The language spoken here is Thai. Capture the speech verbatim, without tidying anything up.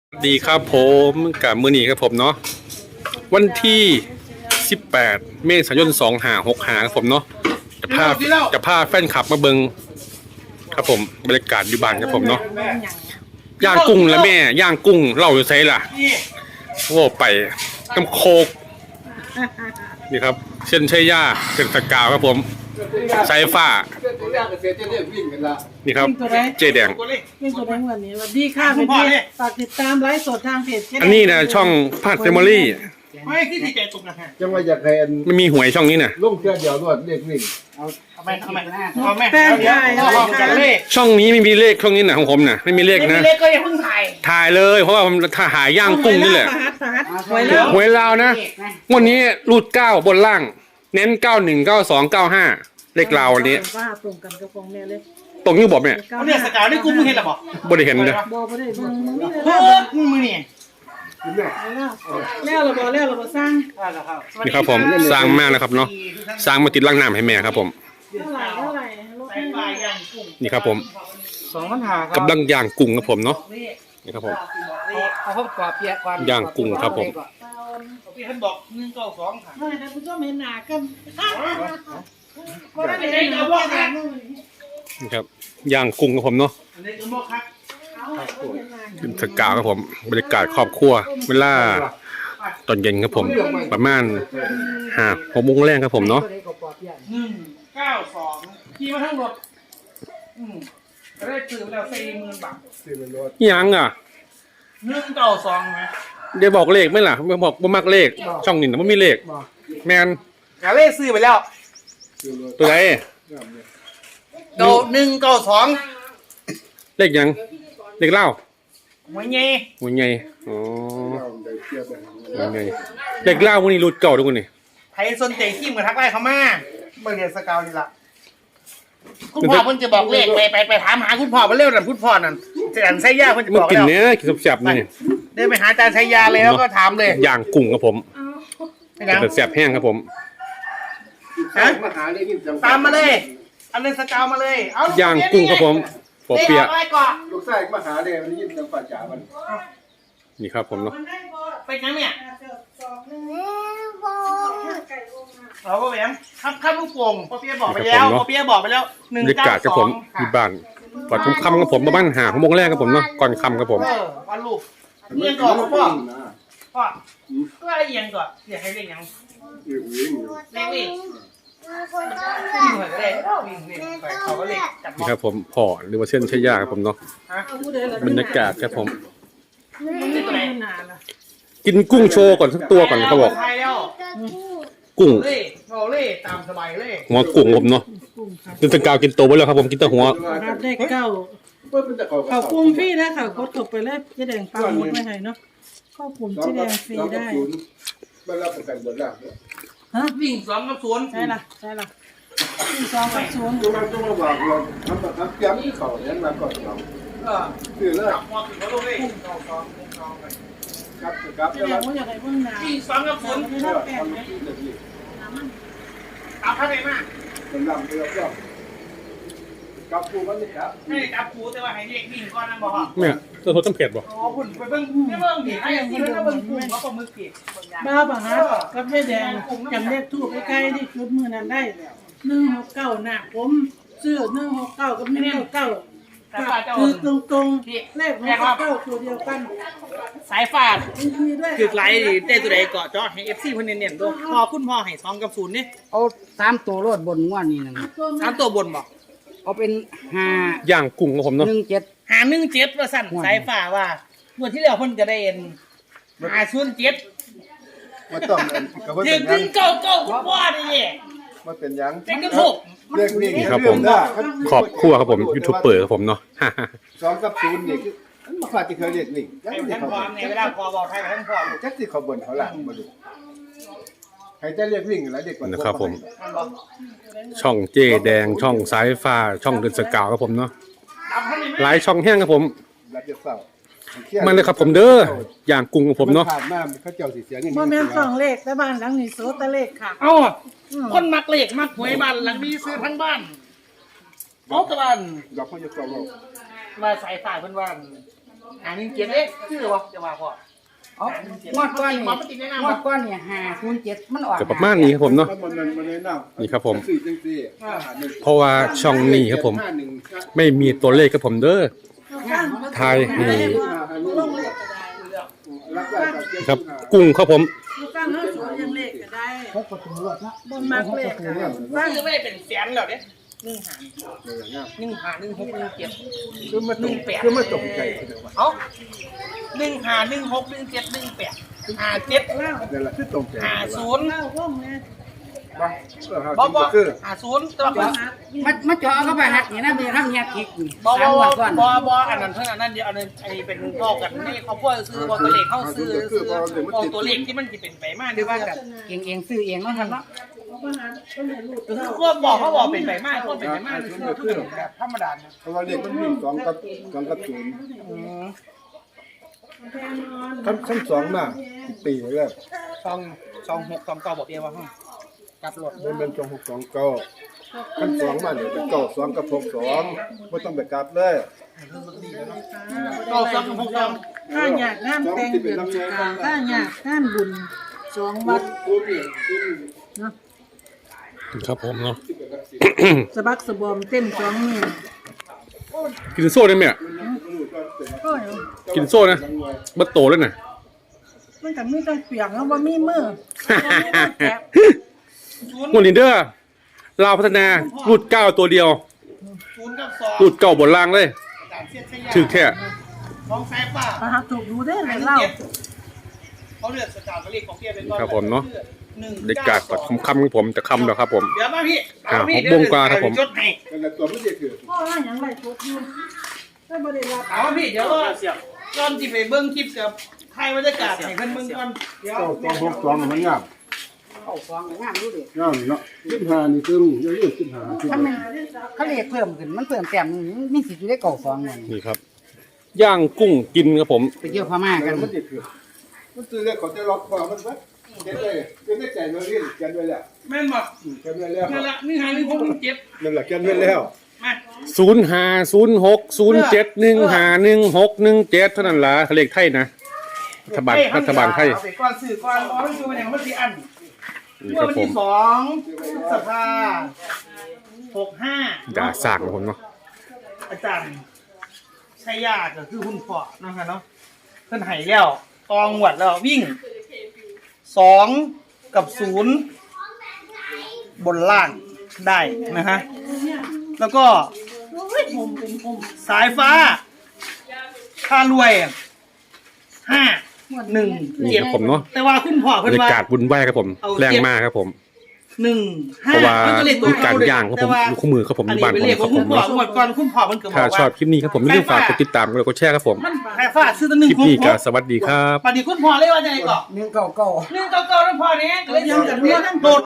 ดีครับผมกับมือนีครับผมเนาะวันที่สิบแปดเมษายนสองห้าหกห้าครับผมเนาะจะพาจะพาแฟนคลับมาเบิงครับผมบรรยากาศอยู่บ้านครับผมเนาะย่างกุ้งแล้วแม่ย่างกุ้งเล่าอยู่ไซล่ะโอ้ไปน้ำโคกนี่ครับเส้นชัยยาเส้นสกาวครับผมสายฟ้านี่ครับเจแดงเป็นตัวแดงวันนี้วันดีค่ะเป็นดีฝากติดตามไลฟ์สดทางเพจอันนี้นะช่องพาดเฟมิลี่ไม่ที่ดีใจตุกนะฮะจังว่าอยากให้ไม่มีหวยช่องนี้นะลุงเชื่อเดียวรวดเรียกวิ่งเอาเอาไปเอาไปเอาไปแป้งใหญ่เลขช่องนี้ไม่มีเลขช่องนี้นะของผมนะไม่มีเลขนะเลขก็ยังเพิ่งถ่ายถ่ายเลยเพราะว่าผมถ่ายหาย่างกุ้งนี่แหละหวยแล้วหวยลาวนะวันนี้รูดเก้าบนล่างเน้นเก้าหนึ่งเก้าสองเก้าห้าเลขลาววันนี้ว่าตรงกันกับฟองแม่เลยตรงนี้บอกเนี่ยเอาเนี่ยสกาวได้กุ้งมึงเห็นหรอบอกบ่ได้เห็นเลยบอกไม่ได้เบิ่งมึงนี่เลยเฮ้ยมึงเนี่ยแล้วเราบอกแล้วเราบอกสร้างนี่ครับผมสร้างมากนะครับเนาะสร้างมาติดล่างน้ำให้แม่ครับผมเท่าไหร่เท่าไหร่นี่ครับผมสองพันหาครับกำลังย่างกุ้งครับผมเนาะนี่ครับผมเอาข้าวกรอบเปียกย่างกุ้งครับผมพี่ท่านบอกหนึ่งเก้าสองค่ะเฮ้ยท่านผู้ชมเห็นหน้ากันนี่ครับย่างกุ้งครับผมเนาะขึ้นสกาวครับผมบรรยากาศครอบครัวเวลาตอนเย็นครับผมประมาณห้าหกโมงแรกครับผมเนาะหนึ่งเก้าสองขี่มาทั้งหมดอืมได้ซื้อไปแล้วสี่หมื่นบาทยังอ่ะหนึ่งเก้าสองไหมเดี๋ยวบอกเลขไหมล่ะไม่บอกบ่มักเลขช่องนี้นะไม่มีเลขแมนกาเลขซื้อไปแล้วตัวไหนเก้าหนึ่งเก้าสองเลขยังเลขเล่าหัวเงี้ยหัวไงอ๋อหัวไงเลขเล่าวันนี้รูดเก่าทุกคนนี่ไทยสนใจขี้เหมือนทักไล่เขามาเมื่อเรียนสกาวนี่ละคุณพ่อเพิ่นจะบอกเลขไปไปไปถามหาคุณพ่อมาเร็วนั่นคุณพ่อนั่นจะอันไส้ยาเพิ่นจะบอกแล้วมันกินเนื้อกินแซ่บๆนี่เดินไปหาอาจารย์ชัยยาเลยแล้วก็ถามเลยย่างกุ้งครับผมเป็นแซ่บแห้งครับผมฮะตามมาเลยอันนี้สกาวมาเลยเอาย่างกุ้งครับผมปอเปียลูกชายมาหาเลยมันยินจังป่าจ๋ามันนี่ครับผมเนาะไปยังเนี่ยเราก็แบบครับครับลูกโป่งปอเปียบอกไปแล้วปอเปียบอกไปแล้วหนึ่งเก้าสองที่บ้านก่อนค่ำกับผมมาบ้านหาของโมงแรกครับผมเนาะก่อนค่ำครับผมวันลูกเอียงก่อนพ่อพ่อก็อะไรเอียงก่อนเดี๋ยวให้เรียกยังเรียกวิ่งวิ่งเหมือนเลยวิ่งวิ่งไปเขาก็เรียกจับนี่ครับผมพ่อหรือว่าเส้นชัยยาครับผมเนาะบรรยากาศครับผมกินกุ้งโชว์ก่อนสักตัวก่อนเขาบอกกุ้งเราเล่ตามสบายเล่หัวกุ้งผมเนาะกินตะกาวกินโตไปแล้วครับผมกินแต่หัวได้เก้าเขากุ้งพี่นะเขากดกบไปแล้วจะแดงปลาหมดไม่ให้เนาะข้าวกุ้งจะแดงฟรีได้ไม่รับประกันบนล่างฮะวิ่งสองกับศูนย์ใช่ละใช่ละวิ่งสองกับศูนย์ตัวมันตัวมาบอกเราทำแบบทำย้ำเขาเนี่ยมาก่อนเราคือเลิกพอถึงแล้วลูกเองสองสองสองครับครับจะแดงว่าอย่างไรบ้างนะวิ่งสองกับศูนย์ตามท่านไหนมาเป็นลำเรือก็กับปูมันนี่ครับให้จับปูแต่ว่าให้เรียกวิ่งก่อนนะบอกเนี่ยตัวโทษจำเผ็ดบ่อ๋อคุณไปเบิ่งไม่เบิ่งผิดให้ยังที่นั่นเบิ่งปูเขาปมือผิดบ้าป่ะฮะกับแม่แดงจำเลขทูบใกล้ๆที่ชุดมือนั้นได้หนึ่งหกเก้าหนักผมเสื้อหนึ่งหกเก้ากับหนึ่งเก้าเก้าคือตรงตรงเลขหกเก้าตัวเดียวกันสายฟาดคือไลท์ได้ตัวใดเกาะจอให้เอฟซีคนเน้นๆตัวพอคุณพ่อให้สองกับศูนย์นี่เอาสามตัวรถบนงวดนี้นะสามตัวบนบอกเอาเป็นห้าย่างกุ้งของผมเนาะหนึ่งเจ็ดหาหนึ่งเจ็ดว่าสั่นสายฝ่าว่าเมื่อที่แล้วเพิ่นจะได้เอ็นหาศูนย์เจ็ดมาต้องเด็กถึงเก่าเก่าคุณพ่อนี่มาเป็นยังเด็กกระถูกเรียกนี่ครับผมขอบคู่ครับผมยูทูบเปิดครับผมเนาะสองกับศูนย์นี่คือมันมาขาดที่เคยเรียกนี่ยังไม่เขาบอกในเวลาพอบอกให้ท่านพ่อจักที่เขาบนเขาหลังมาดูใครจะเรียกวิ่งแล้วเด็กกว่านะครับผมช่องเจแดงช่องสายฟ้าช่องเดินสกาวครับผมเนาะหลายช่องแห้งครับผมมาเลยครับผมเด้อย่างกุ้งของผมเนาะผ่านมาเขาเจ้าสีเสียงนี่โมเมนต์สองเลขแต่บ้านหลังนี้โซตะเลขค่ะเอ้าคนมักเลขมักหวยบ้านหลังนี้ซื้อทั้งบ้านโอ้ตะวันเราเขาจะกล่าวว่าสายฝ่ายเพิ่นว่าหาหนึ่งเจ็ดเอ๊ะชื่อวะจะว่าพ่อเอางวดก้อนนี่งวดก้อนนี่ห้าศูนย์เจ็ดมันออกก็ประมาณนี้ครับผมเนาะแล้วมันมันแนะนำนี่ครับผมสี่จังสี่ห้าหนึ่งเพราะว่าช่องนี้ครับผมห้าหนึ่งไม่มีตัวเลขครับผมเด้อทายนี่ลงเลขก็ได้รับได้กับเจ็ดครับกุ้งครับผมลูกก้างเฮาสวนยังเลขก็ได้หกประตูรถเนาะบ่มักเลขก็ได้ซื้อไม่ได้เป็นแสนแล้วเด้หนึ่งหาหนึ่งหาหนึ่งหกหนึ่งเจ็ดคือมาหนึ่งแปดคือมาตกใจเดี๋ยวว่าเอาหนึ่งหาหนึ่งหกหนึ่งเจ็ดหนึ่งแปดหาเจ็ดเล่าเดี๋ยวละคือตกใจหาศูนย์เล่าว่องแม่บอบอคือหาศูนย์ตัวก่อนมามาเจาะเข้าไปหักนี่นะมีทำเนี่ยคิกนี่บอสามบงอวดก่อนบอบออันนั้นเท่านั้นนั่นเดียวอันนั้นไอเป็นพ่อกันนี่เขาพ่อซื้อบอตัวเลขเข้าซื้อซื้อบอตัวเลขที่มันจะเป็นไปมากคือว่ากับเองเองซื้อเองเนาะครับเนาะเขาก็หาต้นให้ลูกคือเล่าควบบอกเขาบอกเป็นไปมากควบเป็นไปมากคือคือแบบธรรมดาเพราะว่าเลขมันวิ่งสองกับสองกับศูนย์แทนนอนขั้นขั้นสองมาปีแรกสองสองหกสองเก้าบอกเดียวว่าห้องกลับรถมันเป็นสองหกสองเก้าขั้นสองมาเนี่ยเป็นเก้าสองกับหกสองไม่ต้องไปกลับเลยเก้าสองหกสองถ้าอยากงานแต่งเดือนสิกาถ้าอยากงานบุญสองวัดครับผมเนาะสะบักสะบอมเต้นสองมือกินโซ่ได้ไหมอ่ะก็กินโซ่นะบัดโตแล้วน่ะมันก็มีต้องเปียกแล้วบ่มีมือบ่มีมือแกะหมดลินเดอร์ลาวพัฒนารูดเก้าตัวเดียวศูนย์กับสองรูดเก้าบนล่างเลยการเสียดขยะถือแค่ของแซ่ป้ามาหาถูกดูได้เลยเล่าเขาเลือกสกาวเลขของเพียเป็นก้อนครับผมเนาะหนึ่งได้กาดปัดคำคำของผมจะคำแล้วครับผมเดี๋ยวมาพี่อ่าหกโมงกว่าครับผมจดให้นั่นแหละตัวไม่ได้คือพ่อว่าหยังไรทุกอยู่ถ้าบ่ได้รับเอาพี่เดี๋ยวก็ก่อนที่ไปเบิ้งคลิปกับไทยบรรยากาศให้เพิ่นเบิ้งก่อนเดี๋ยวเก้าสองหกสองมันยากเข้าซองงามดูดิยากเนาะสิบห้านี่คือเยอะๆสิบห้าสิบถ้าห้ามันเขาเลขเพิ่มขึ้นมันเพิ่มแต้มหนึ่งมีสิทธิ์อยู่ได้เก่าซองนั่นนี่ครับ ย่างกุ้งกินครับผมไปเที่ยวพม่ากันมันติดคือมันซื้อเลขเขาจะล็อกคอมันซะเก็บเลยเก็บได้ใจเราเรียนเก็บไว้แล้วแม่นบ่เก็บไว้แล้วนั่นละนี่หาหนึ่งหกหนึ่งเจ็ดนั่นแหละเก็บไว้แล้วมาศูนย์ห้าศูนย์หกศูนย์เจ็ดหนึ่งห้าหนึ่งหกหนึ่งเจ็ดเท่านั้นล่ะเลขไทยนะรัฐบาลรัฐบาลไทยเอาไปก่อนสื่อก่อนอ๋อมันคือมันอย่างมันสิอันนี่เมื่คอรับวันผมที่สองสภาหกห้าด่าสากของผมเนาะอาจารย์ชัยยาก็คือคุณพ่อนะคะเนาะเพิ่นให้แล้วตองหวัดแล้ววิ่งสองกับศูนย์บนล่างได้นะฮะแล้วก็สายฟ้าค่ารวยห้าหนึ่งนี่เจ็ดครับผมเนาะแต่ว่าคุณพ่อบรเพิ่นรยาว่ากาศบุญไหวครับผม แรงมากครับผมหนึ่งเพห้าราะว่ามันก็เลขตัวมีการย่างครับผมแต่ว่อยู่คู่มือครับผมอันอยู่นี้บ้านเป็นผมเลขคขรัอบ งผคุมณพ่อเนาะหมดก่อนคุณพ่อมันก็บถ้าอกชอว่าบคลิปนี้ครับผมอย่าลืมฝากกดติดตามกดไลค์กดแชร์ครับผมมันแค่ฟาดซื้อตัวหนึ่คงลิปนี้ก็สวัสดีครับปฏิคุณพ่อเลยว่าจะไงก่อนหนึ่งเก่าเก่าหนึ่งเก้าเก้าแล้วพ่อเนี้ยก็เลยยังกันเมื่อนั้นโดด